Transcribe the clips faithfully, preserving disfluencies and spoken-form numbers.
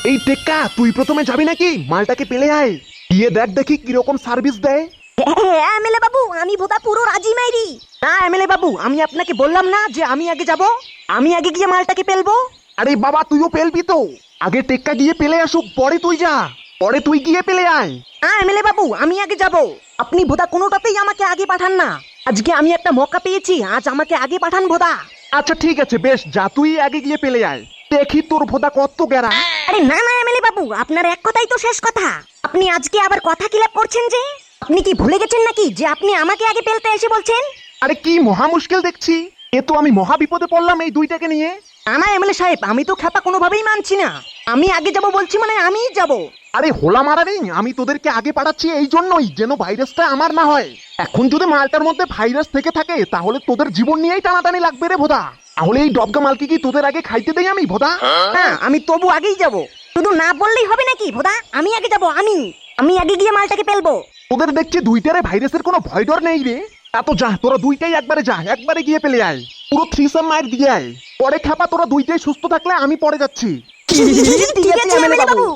এই টেক্কা, তুই প্রথমে যাবি নাকি? মালটাকে পেলে আয়, গিয়ে দেখ দেখি কিরকম সার্ভিস দেয়। হ্যাঁ এমএলএ বাবু, আমি বোধা পুরো রাজি মাইরি। না এমএলএ বাবু, আমি আপনাকে বললাম না যে আমি আগে যাব, আমি আগে গিয়ে মালটাকে পেলবো। আরে বাবা, তুইও পেলবি তো? আগে টেক্কা গিয়ে পেলে আসুক, পরে তুই যা, পরে তুই গিয়ে পেলে আয়। হ্যাঁ এমএলএ বাবু, আমি আগে যাব, আপনি বোধা কোনোটাতেই আমাকে আগে পাঠান না। আজকে আমি একটা মৌকা পেয়েছি, আজ আমাকে আগে পাঠান বোধা। আচ্ছা ঠিক আছে, বেশ, যা তুই আগে গিয়ে পেলে আয়, দেখি তোর ভোদা কত গেরা। আরে না না এমএলএ বাবু, আপনার এক কথাই তো শেষ কথা। আপনি আজকে আবার কথা কিলাপ করছেন যে? আপনি কি ভুলে গেছেন নাকি যে আপনি আমাকে আগে পেলতে এসে বলছেন? আরে কি মহা মুশকিল দেখছি, এ তো আমি মহা বিপদে পড়লাম এই দুইটাকে নিয়ে। না এমএলএ সাহেব, আমি তো খেপা কোনোভাবেই মানছি না। আমি আগে যাব বলছি মানে আমিই যাব। আরে হোলা মারা নেই, আমি তোদেরকে আগে পাঠাচ্ছি এই জন্যই যেন ভাইরাসটা আমার না হয়। এখন যদি মালটার মধ্যে ভাইরাস থেকে থাকে তাহলে তোদের জীবন নিয়েই টানাটানি লাগবে রে ভোদা। তাহলে এই ডবগা মালকে কি তোদের আগে খাইতে দেই আমি ভোদা? হ্যাঁ আমি তবু আগেই যাব, শুধু না বললেই হবে নাকি ভোদা? আমি আগে যাব, আমি আমি আগে গিয়ে মালটাকে পেলবো। তোদের দেখছি দুইটারে ভাইরাসের কোনো ভয় ডর নেই রে। তা তো যা, তোরা দুইটাই একবারে যা, একবারে গিয়ে পেলে আয়, পুরো থ্রিসাম মায়ের দিয়ে আয়। পরে খাপা, তোরা দুইটাই সুস্থ থাকলে আমি পরে যাচ্ছি। ঠিক আছে এমএলএ বাবু।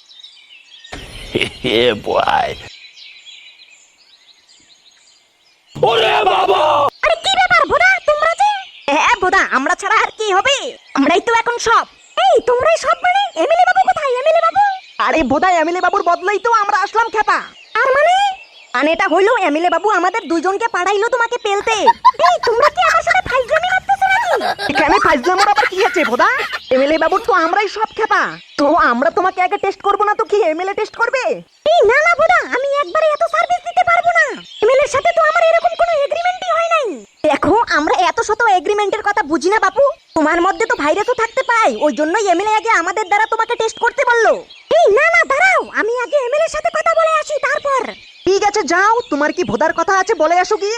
Yeah, boy. ওরে বাবা! আরে কি ব্যাপার ভোদা, তোমরা যে? হ্যাঁ ভোদা, আমরা ছাড়া আর কি হবে? আমরাই তো এখন সব। এই তোমরাই সব মানে? এমএলএ বাবু কোথায়? এমএলএ বাবু? আরে ভোদা, এমএলএ বাবুর বদলাই তো আমরা আসলাম খেপা। আর মানে? মানে এটা হইলো এমএলএ বাবু আমাদের দুইজনকে পাঠাইলো তোমাকে পেলতে। এই তোমরা কি আমার সাথে ফাইজলামি মারতেছো নাকি? এখানে ফাইজলামির আবার কি আছে ভোদা? এমএলএ বাবুর তো আমরাই সব খেপা। তো আমরা তোমাকে আগে টেস্ট করব না তো কি এমএলএ টেস্ট করবে? এই না না ভোদা, আমি একবারে এত সার্ভিস দিতে পারবো না। এমএলএ এর সাথে তো আমার এরকম কোনো এগ্রিমেন্টই হয় নাই। দেখো আমরা এত শত এগ্রিমেন্টের কথা বুঝি না বাপু। তোমার মধ্যে তো ভাইরাসও থাকতে পায়, ওই জন্যই এমএলএ আগে আমাদের দ্বারা তোমাকে টেস্ট করতে বললো। এই না না দাঁড়াও, আমি আগে এমএলএ এর সাথে কথা বলে আসি তারপর। ঠিক আছে যাও, তোমার কি ভোদার কথা আছে বলে আসো গিয়ে।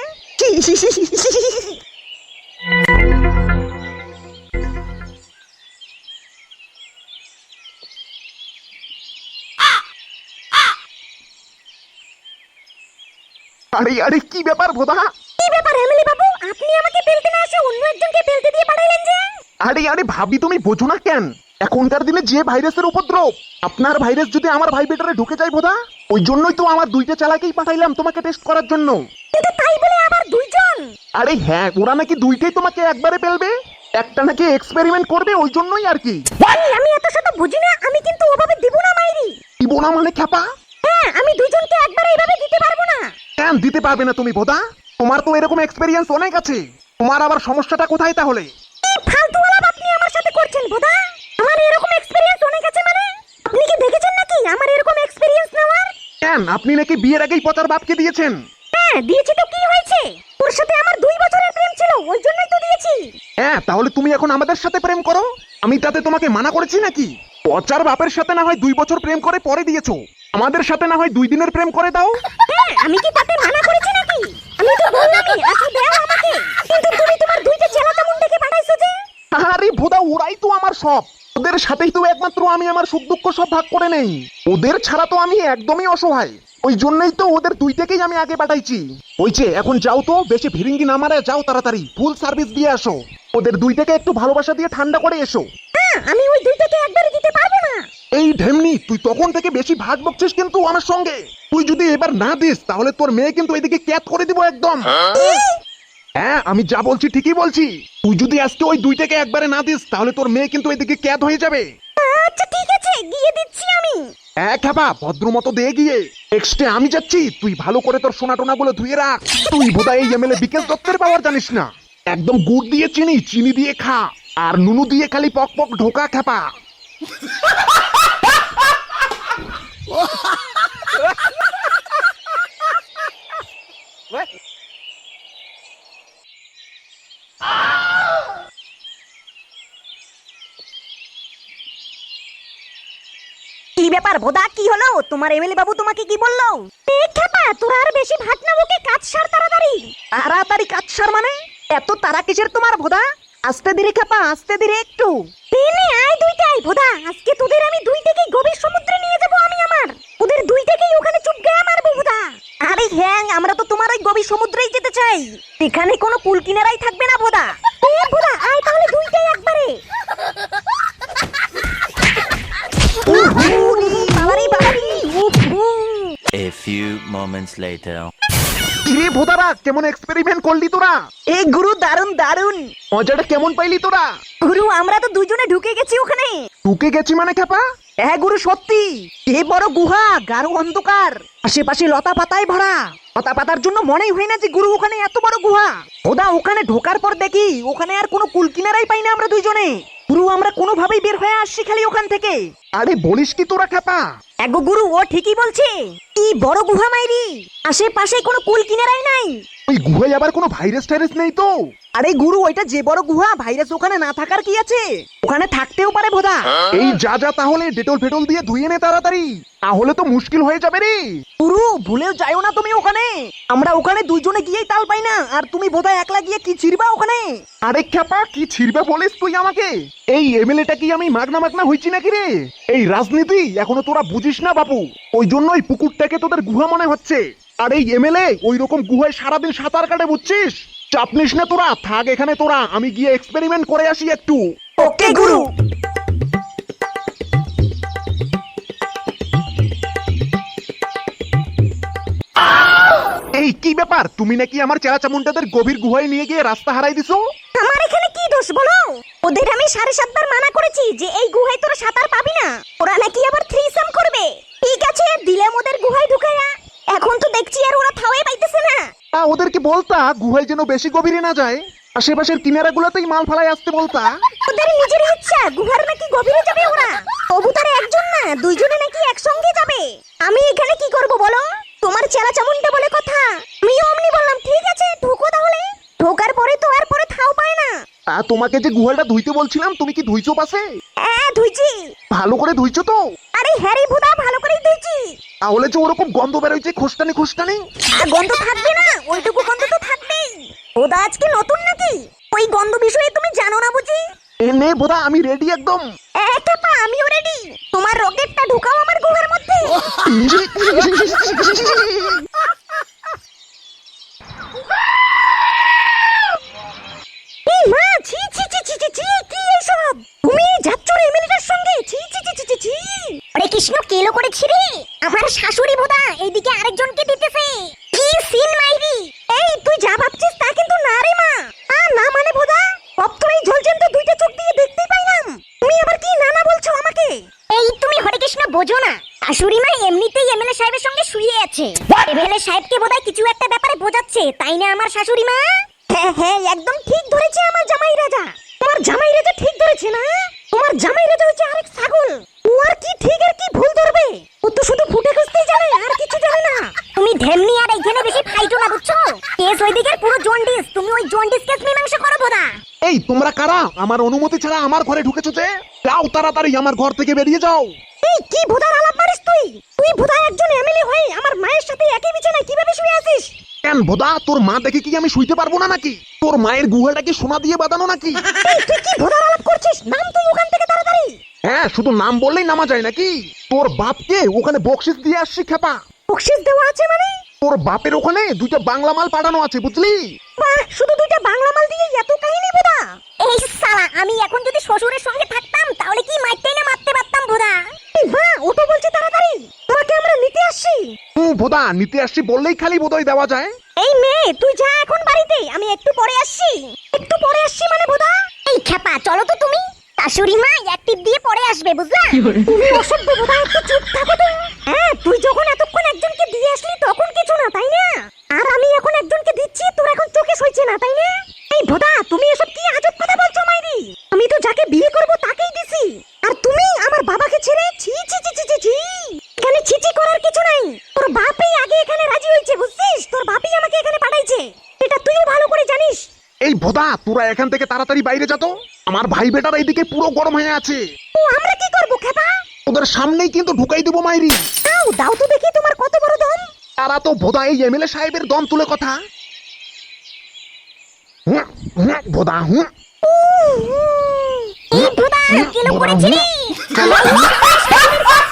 আরে আরে কি ব্যাপার ভোদা? কি ব্যাপার এমএলএ বাবু, আপনি আমাকে পেলতে না এসে অন্য একজনকে পেলতে দিয়ে পাঠাইলেন যে? আরে আরে ভাবি, তুমি বোঝো না কেন? এখনকার দিনে যে ভাইরাসের উপদ্রব, আপনার ভাইরাস যদি আমার ভাই বেটারে ঢুকে যায় ভোদা, ওই জন্যই তো আমার দুইটা চালাকেই পাঠাইলাম তোমাকে টেস্ট করার জন্য। কিন্তু তাই বলে আবার দুইজন? আরে হ্যাঁ, ওরা নাকি দুইটাই তোমাকে একবারে পেলবে, একটা নাকি এক্সপেরিমেন্ট করবে, ওই জন্যই আর কি। আমি এত শত বুঝি না, আমি কিন্তু ওভাবে দিব না মাইরি। দিব না মানে খ্যাপা? হ্যাঁ আমি দুইজনকে একবারে এইভাবে দিতে পারবো না। কেন দিতে পারবে না তুমি ভোদা? তোমার তো এরকম এক্সপেরিয়েন্স অনেক আছে, তোমার আবার সমস্যাটা কোথায় তাহলে? কি ফালতু আলাপ আপনি আমার সাথে করছেন ভোদা? আমার এরকম এক্সপেরিয়েন্স অনেক আছে মানে? আপনি কি দেখেছেন নাকি আমার এরকম এক্সপেরিয়েন্স নেওয়ার? কেন, আপনি নাকি বিয়ের আগেই পচার বাপকে দিয়েছেন? হ্যাঁ দিয়েছি তো কি হয়েছে? ওর সাথে আমার দুই বছরের প্রেম ছিল, ওই জন্যই তো দিয়েছি। হ্যাঁ তাহলে তুমি এখন আমাদের সাথে প্রেম করো, আমি তাতে তোমাকে মানা করেছি নাকি? পচার বাপের সাথে না হয় দুই বছর প্রেম করে পরে দিয়েছো, আমাদের সাথে না হয় দুই দিনের প্রেম করে দাও। হ্যাঁ আমি কি তাতে মানা করেছি নাকি? আমি তো বললামই আচ্ছা দাও আমাকে, কিন্তু তুমি তোমার দুইটা চেলাটা মুন্ডাকে পাঠাইছো যে? আরে ভোদা, ওরাই তো আমার সব, ওদের সাথেই তো একমাত্র আমি আমার সুখ দুঃখ সব ভাগ করে নেই, ওদের ছাড়া তো আমি একদমই অসহায়, ওই জন্যই তো ওদের দুইটাকেই আমি আগে পাঠাইছি। ওই যে এখন যাও তো, বেশি ভিরিঙ্গি না মারে যাও, তাড়াতাড়ি ফুল সার্ভিস দিয়ে আসো, ওদের দুইটাকে একটু ভালোবাসা দিয়ে ঠান্ডা করে এসো। হ্যাঁ আমি ওই দুইটাকে একবারে দিতে পারবো না। এই ঢেমনি, তুই তখন থেকে বেশি ভাগ বকছিস কিন্তু আমার সঙ্গে, তুই যদি এবার না দিস তাহলে তোর মেয়ে কিন্তু এদিকে ক্যাট করে দিব একদম। হ্যাঁ আমি যা বলছি ঠিকই বলছি, তুই যদি আজকে ওই দুইটাকে একবারে না দিস তাহলে তোর মেয়ে কিন্তু এদিকে ক্যাট হয়ে যাবে। আচ্ছা ঠিক আছে, গিয়ে দিচ্ছি আমি। এক খাবা ভদ্র মতো দে গিয়ে, এক্সট্রা আমি যাচ্ছি, তুই ভালো করে তোর সোনা টোনা গুলো ধুয়ে রাখ। তুই বোধহয় এই এমএলএ বিকেশ দত্তের পাওয়ার জানিস না, একদম গুড় দিয়ে চিনি, চিনি দিয়ে খা, আর নুনু দিয়ে খালি পক পক ঢোকা খাপা। কি ব্যাপার ভোদা, কি হলো? তোমার এমএলএ বাবু তোমাকে কি বললো? এই খেপা, তোর আর বেশি ভাট না বকে কাজ সার তাড়াতাড়ি। তাড়াতাড়ি কাজ সার মানে? এত তারা কিসের তোমার ভোদা? আস্তে ধীরে খেপা, আস্তে ধীরে একটু। নে আয় দুইটাই ভোদা, আজকে তোদের আমি দুইটাকেই গভীর সমুদ্রে নিয়ে যাব আমি আমার। ওদের দুইটাকেই ওখানে চুপগায়া মারবো ভোদা। আরে হ্যাঁ, আমরা তো তোমার ওই গভীর সমুদ্রেই যেতে চাই, এখানে কোনো কুল কিনারাই থাকবে না ভোদা। এ ভোদা আয় তাহলে দুইটাই একবারে। few moments later. কিরে ভোদারা, কেমন এক্সপেরিমেন্ট করলি তোরা? এ গুরু দারুন দারুন। মজাটা কেমন পাইলি তোরা? গুরু আমরা তো দুজনে ঢুকে গেছি ওখানে। ঢুকে গেছি মানে খেপা? হ্যাঁ গুরু সত্যি, এ বড় গুহা, গাঢ় অন্ধকার, আশেপাশে লতা পাতায় ভরা। লতা পাতার জন্য মনেই হয় না যে গুরু ওখানে এত বড় গুহা। ওদা ওখানে ঢোকার পর দেখি ওখানে আর কোনো কুল কিনারাই পাই না আমরা দুইজনে। গুরু আমরা কোনোভাবেই বের হয়ে আসছি খালি ওখান থেকে। আরে বলিস কি তোরা খেপা? এগো গুরু ও ঠিকই বলছে, কি বড় গুহা মাইরি, আশেপাশে কোনো কুল কিনারাই নাই। ওই গুহায় আবার কোনো ভাইরাস টাইরাস নেই তো? আরে গুরু ওইটা যে বড় গুহা, ভাইরাস ওখানে না থাকার কি আছে? ওখানে থাকতেও পারে বোধা। এই যা যা তাহলে ডেটল ফেটল দিয়ে ধুয়ে নে তাড়াতাড়ি, তাহলে তো মুশকিল হয়ে যাবে রে। গুরু ভুলেও যাইও না তুমি ওখানে। আমরা ওখানে দুইজনে গিয়েই তাল পাই না, আর তুমি বোধহয় একলা গিয়ে কি ছিড়বা ওখানে। আরে খেপা, কি ছিড়বে বলিস তুই আমাকে? এই এমএলএটা কি আমি মাগনা মাগনা হইছি নাকি রে? এই রাজনীতি এখনো তোরা বুঝিস না বাপু, ওই জন্যই পুকুরটাকে তোদের গুহা মনে হচ্ছে। আর এই এমএলএ ওই রকম গুহায় সারাদিন সাঁতার কাটে, বুঝছিস? চাপ নিস না তোরা, থাক এখানে তোরা, আমি গিয়ে এক্সপেরিমেন্ট করে আসি একটু। ওকে গুরু। এই কি ব্যাপার, তুমি নাকি আমার চেলা চামুন্ডাদের গভীর গুহায় নিয়ে গিয়ে রাস্তা হারাই দিছো? আমার এখানে কি দোষ বলো? ওদের আমি সাড়ে সাতবার মানা করেছি যে এই গুহায় তোরা সাঁতার পাবি না। ওরা নাকি আবার থ্রিসাম করবে। ঠিক আছে দিলাম ওদের গুহায় ঢুকায়া, এখন তো দেখছি আর ওরা থাওয়াই পাইতেছে না। তা ওদেরকে বলতা গুহায় যেন বেশি গভীরে না যায়, আশেপাশের কিনারাগুলোতেই মাল ফালাই আসতে বলতা। ওদের নিজের ইচ্ছা, গুহার নাকি গভীরে যাবে ওরা। তবু তারা একজন না দুইজনে নাকি একসঙ্গে যাবে। আমি এখানে কি করব বলো? তোমার চেলা চামুন্ডা বলে কথা, আমি অমনি বললাম ঠিক আছে ঢুকো তাহলে। ঢোকার পরে তো আর পরে থাও পায় না। তা তোমাকে যে গুহাটা ধুইতে বলছিলাম, তুমি কি ধুইছো পাশে? হ্যাঁ ধুইছি। ভালো করে ধুইছো তো? আরে হ্যারি ভুদা ভালো করেই ধুইছি। তাহলে যে ওরকম গন্ধ বেরোইছে খোস্টানি খোস্টানি। আর গন্ধ থাকবে না, ওইটুকু গন্ধ তো থাকবেই। ওদা আজকে নতুন নাকি? ওই গন্ধ বিষয়ে তুমি জানো না বুঝি? এ নে বোধা, আমি রেডি একদম। একটা পা আমিও রেডি। তোমার রকেটটা ঢুকাও আমার গুহার মধ্যে। এই মা, ছি ছি ছি ছি ছি ছি, কি এসব? তুমি যাচ্ছ রে এমএলএটার সঙ্গে? ছি ছি ছি ছি ছি ছি। আরে কৃষ্ণ কেলো করেছি রে, আমার শাশুড়ি বোধা এইদিকে আরেকজনকে দিতেছে। কি সিন মাইরি। এই তুই যা ভাবছিস তা কিন্তু না রে মা। আ না মানে বোধা, অপ্তরেই ঝলছেন তো দুইটা চোখ দিয়ে দেখতেই পাইলাম। তুমি আবার কি না না বলছো আমাকে? এই তুমি হরে কৃষ্ণ বোঝো না, শাশুড়ি মা এমনিতেই এমএলএ সাহেবের সঙ্গে শুয়ে আছে। এমএলএ সাহেবকে বোধহয় কিছু একটা ব্যাপারে বোঝাচ্ছে, তাই না আমার শাশুড়ি মা? হ্যাঁ হ্যাঁ একদম ঠিক ধরেছে আমার জামাই রাজা। তোমার জামাই রাজা ঠিক ধরেছে না? তোমার জামাই রাজা হচ্ছে আরেক ছাগল। ও আর কি ঠিক আর কি ভুল ধরবে? ও তো শুধু ফুটে খুঁজতেই জানে, আর কিছু জানে না। তুমি ঢেমনি আর এইখানে বেশি ফাইটো না বুঝছো? কেস ওইদিকে পুরো জন্ডিস, তুমি ওই জন্ডিস কেস মীমাংসা করো বোধা। এই তোমরা কারা আমার অনুমতি ছাড়া আমার ঘরে ঢুকেছো যে? যাও তাড়াতাড়ি আমার ঘর থেকে বেরিয়ে যাও। এই কি ভোদার আলাপ মারিস তুই? তুই ভোদা একজন এমএলএ হয়ে আমার মায়ের সাথে একই বিছানায় কিভাবে শুয়ে আছিস? কেন ভোদা, তোর মা দেখে কি আমি শুইতে পারবো না নাকি? তোর মায়ের গুহাটা কি সোনা দিয়ে বাঁধানো নাকি? এই তুই কি ভোদার আলাপ করছিস? নাম তুই ওখান থেকে তাড়াতাড়ি। হ্যাঁ, শুধু নাম বললেই নামা যায় নাকি? তোর বাপকে ওখানে বকশিস দিয়ে আসছি খেপা। বকশিস দেওয়া আছে মানে? তোর বাপের ওখানে দুইটা বাংলা মাল পাঠানো আছে, বুঝলি? বাহ, শুধু দুইটা বাংলা মাল দিয়ে এত কাহিনী বোধা। এই শালা, আমি এখন যদি শ্বশুরের সঙ্গে থাকতাম তাহলে কি মারতেই না মারতে পারতাম বোধা। এই মা, ও তো বলছে তাড়াতাড়ি তোমাকে আমরা নিতে আসছি। হুম ভোদা, নিতে আসছি বললেই খালি বোধহয় দেওয়া যায়। এই মেয়ে তুই যা এখন বাড়িতে, আমি একটু পরে আসছি। একটু পরে আসছি মানে বোধা? এই খেপা চলো তো তুমি, শাশুড়ি মা এক টিপ দিয়ে পরে আসবে বুঝলা? তুমি অসভ্য বোধা, একটু চুপ থাকো তো। হ্যাঁ তুই যখন এতক্ষণ একজনকে দিয়ে আসলি তখন কিছু না তাই না? আর আমি এখন একজনকে দিচ্ছি, তোর এখন চোখে সইছে না তাই না? এই ভোদা তুমি এসব কি আজব কথা বলছো মাইরি? আমি তো যাকে বিয়ে করব তাকেই দিছি, আর তুমি আমার বাবাকে ছেড়ে ছি ছি ছি ছি ছি ছি। এখানে ছিছি করার কিছু নাই, তোর বাপই আগে এখানে রাজি হয়েছে বুঝছিস? তোর বাপই আমাকে এখানে পাঠাইছে, এটা তুইও ভালো করে জানিস। এই ভোদা, তোরা এখান থেকে তাড়াতাড়ি বাইরে যা তো, আমার ভাই বেটার এইদিকে পুরো গরম হয়ে আছে। ও আমরা কি করব খেপা? ওদের সামনেই কিন্তু ঢুকাই দেবো মাইরি। দাও দাও তো দেখি তোমার কত বড় দম। তারা তো ভোদা এই এমএলএ সাহেবের দম তুলে কথা। হুঁ, হুঁ, ভোদা হুঁ। এই ভোদা কেলো করেছিলি? আমার